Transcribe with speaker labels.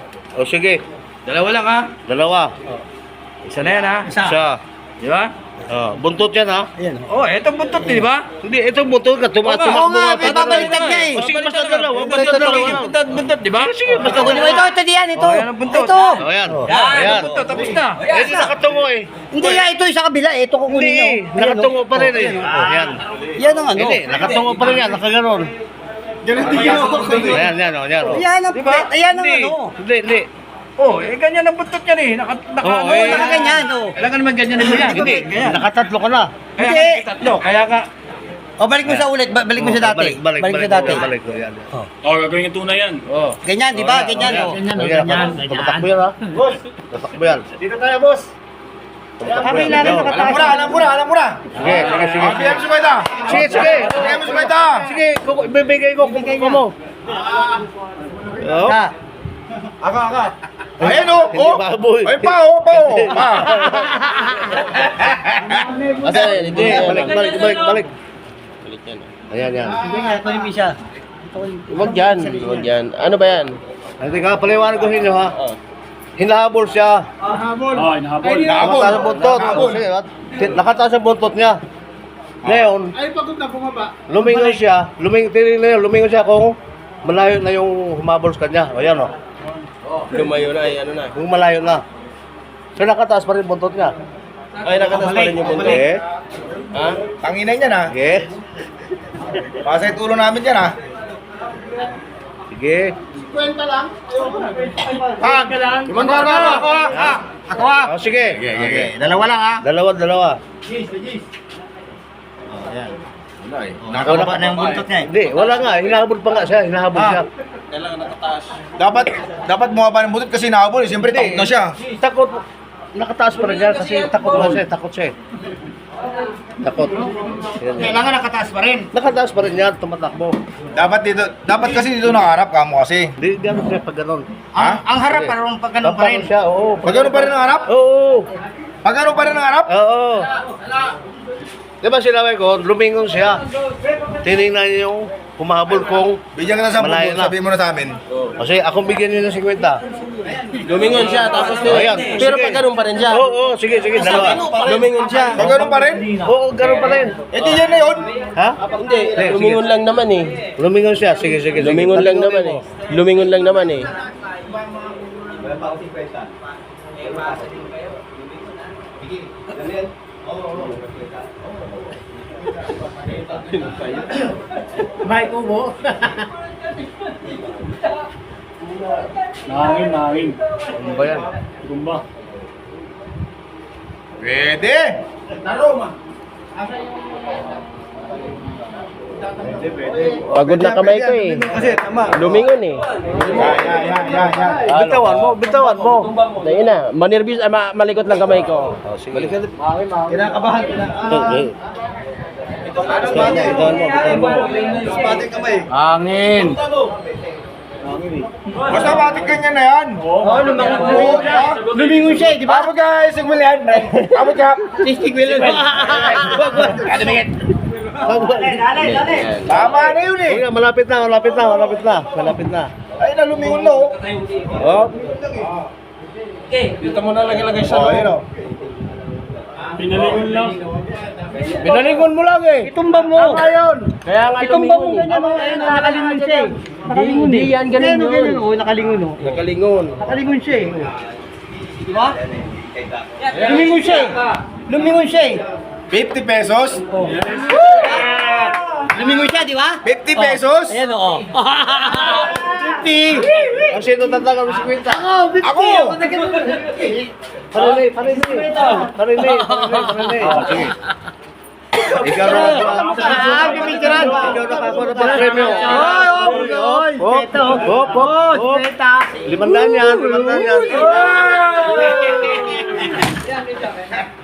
Speaker 1: O sige,
Speaker 2: Dalawa lang ha.
Speaker 1: dalawa.
Speaker 2: Isa na yan ha.
Speaker 1: Isa.
Speaker 2: Di ba?
Speaker 1: Buntot yan ha.
Speaker 3: Ayan.
Speaker 2: Oh, eto buntot di ba?
Speaker 1: Hindi, ito buntot ka. Tumakbo
Speaker 3: nga,
Speaker 1: nga.
Speaker 3: babaliktad niya eh.
Speaker 1: O sige, basta dalawa.
Speaker 2: Buntot,
Speaker 1: Basta dalawa.
Speaker 2: buntot, di ba?
Speaker 1: Sige, basta
Speaker 3: Ito,
Speaker 1: dalawa.
Speaker 3: ito diyan, ito.
Speaker 2: Oh, yan ang buntot.
Speaker 3: Ito.
Speaker 1: O yan.
Speaker 2: Yan,
Speaker 1: Ayan.
Speaker 2: ito buntot, tapos na.
Speaker 1: Eh, di nakatungo eh.
Speaker 3: Hindi nga, ito yung sa kabila. Ito kukunin
Speaker 1: Hindi,
Speaker 3: nyo.
Speaker 1: nakatungo pa rin eh. Ayan.
Speaker 3: Yan ang ano.
Speaker 1: Hindi, nakatungo pa rin yan. Nakaganon. Ayan, yan o. Yan o.
Speaker 3: Yan ang,
Speaker 2: Diba?
Speaker 3: yan ang
Speaker 1: Hindi,
Speaker 3: ano.
Speaker 1: hindi.
Speaker 2: Oh, eh ganyan ang buntot yan eh.
Speaker 1: Oh,
Speaker 3: Oo,
Speaker 1: eh.
Speaker 3: nakaganyan, oh.
Speaker 2: Kailangan naman ganyan mo yan.
Speaker 1: Hindi,
Speaker 2: Ganyan.
Speaker 1: nakatatlo ka na.
Speaker 2: Kaya
Speaker 3: Hindi.
Speaker 2: nga tatlo, kaya ka.
Speaker 3: O, balik mo sa ulit. Balik mo sa dati.
Speaker 1: Balik
Speaker 3: sa dati.
Speaker 1: Balik ko yan.
Speaker 4: Oh, gagawin yung tunay yan.
Speaker 1: Oh.
Speaker 3: Ganyan, di ba? Ganyan, oh.
Speaker 1: Tatakbo yan ha. Boss. Tatakbo yan.
Speaker 5: Dito tayo, boss.
Speaker 3: Kami ilalim nakataas.
Speaker 5: Alam mo na.
Speaker 1: Sige, sige, sige.
Speaker 5: Bigyan mo si Baita.
Speaker 1: Sige, sige.
Speaker 5: Bigyan mo si Baita.
Speaker 1: Sige, ibibigay ko kung mo. Oh.
Speaker 5: Aka. Ayan o.
Speaker 1: Hindi baboy.
Speaker 5: Ay, pa.
Speaker 1: Asa, hindi. Balik. Ayan, yan.
Speaker 3: Sige nga, ito yung isa.
Speaker 6: Huwag yan. Ano ba yan?
Speaker 1: Hindi ka, paliwanag ko sa inyo ha. Hinahabol siya.
Speaker 4: Oh, inahabol.
Speaker 1: Nakataas ang buntot. Sige, nakataas ang buntot niya. Ngayon, lumingon siya. Lumingon siya kung malayo na yung humabol sa kanya. Ayan o.
Speaker 6: Lumayo na, ano na.
Speaker 1: Kung malayo na. So nakataas pa rin buntot niya.
Speaker 6: Ay, nakatas pa rin yung buntot.
Speaker 1: Okay.
Speaker 6: Ha?
Speaker 5: Tanginan yan ha.
Speaker 1: Sige.
Speaker 5: Pasay tulo namin yan ha.
Speaker 1: Sige.
Speaker 5: Ako ha.
Speaker 1: Oh, sige.
Speaker 5: Okay. Dalawa lang ha.
Speaker 1: Dalawa.
Speaker 5: Nakababa na yung buntot niya eh.
Speaker 1: Hindi, wala nga. Hinahabol pa nga siya. Hinahabol siya.
Speaker 5: Dapat bumaba ng buntot kasi nahabol eh. Siyempre takot na siya.
Speaker 1: Takot. Nakataas pa rin yan kasi takot na siya. Takot siya. Takot. Yan, yan.
Speaker 3: Kailangan nakataas pa rin.
Speaker 1: Nakataas pa rin yan. Tumatakbo.
Speaker 5: Dapat kasi dito nakaharap ka mo kasi.
Speaker 1: Hindi gano'n siya pag gano'n.
Speaker 5: Ha?
Speaker 3: Ang harap parang pag ganun pa rin.
Speaker 1: Siya, oo.
Speaker 5: Pag ano pa rin ang harap?
Speaker 1: Oo.
Speaker 5: Pag ano pa rin ang harap?
Speaker 1: Oo. Di ba sinabi ko, lumingon siya. Tinignan niya yung humahabol kong
Speaker 5: Bigyan ka na sa
Speaker 1: malayo
Speaker 5: buntot.
Speaker 1: na.
Speaker 5: Sabihin mo na sa amin.
Speaker 1: Kasi akong bigyan niya ng 50.
Speaker 6: Lumingon siya, tapos
Speaker 1: Oh, ayan.
Speaker 6: pero
Speaker 1: Sige.
Speaker 6: pag ganun pa rin siya.
Speaker 1: Oo, sige, dalawa.
Speaker 6: Lumingon siya.
Speaker 5: Pag ano pa rin?
Speaker 1: Oo, gano'n pa rin.
Speaker 5: Eh di yan na yun.
Speaker 1: Ha?
Speaker 6: Hindi, lumingon lang naman eh.
Speaker 1: Lumingon siya, sige.
Speaker 6: Lumingon lang naman eh. Lumingon lang naman eh.
Speaker 3: May kubo.
Speaker 4: Nangin.
Speaker 1: Ano ba yan?
Speaker 4: Gumba.
Speaker 5: Pwede.
Speaker 6: Pagod na kamay ko eh.
Speaker 5: Kasi tama.
Speaker 6: Lumingon eh.
Speaker 5: Yan.
Speaker 1: Bitawan mo.
Speaker 6: Ayun na, manervyos, malikot lang kamay ko.
Speaker 1: Oh, sige.
Speaker 5: Kinakabahan.
Speaker 1: Bitawan mo.
Speaker 5: Spating kamay.
Speaker 2: Hangin.
Speaker 5: Basta batik ganyan na yan.
Speaker 3: Lumingon siya, di ba?
Speaker 5: Abo guys, sigmulian. Abo ka. Tama na yun eh.
Speaker 1: Okay, malapit na.
Speaker 5: Ay, nalumingon na oh.
Speaker 1: Oh,
Speaker 6: Dito mo na lagay
Speaker 5: Oh, yun oh.
Speaker 4: Pinalingon lang.
Speaker 1: binalingon mo lang eh.
Speaker 3: Itumba mo.
Speaker 1: Ayun.
Speaker 6: Kaya nga
Speaker 3: Itumba mo
Speaker 6: lumingon eh.
Speaker 3: ganyan, nakalingon siya eh.
Speaker 6: Hindi yan, ganun yun.
Speaker 3: Oh, nakalingon oh.
Speaker 6: Nakalingon.
Speaker 3: Nakalingon siya eh. Di ba? Lumingon siya eh. Lumingon siya eh.
Speaker 5: 50 pesos?
Speaker 3: Lumingon siya, di ba?
Speaker 5: 50 pesos?
Speaker 3: Ayan oh.
Speaker 5: 50!
Speaker 1: Ang sino tatagal mo 50?
Speaker 5: Ako!
Speaker 1: Parinay. Sige. Ikaw na
Speaker 3: Pipicturan.
Speaker 1: Ikaw na kako na pag-premyo.
Speaker 3: Hop.
Speaker 1: 500 yan.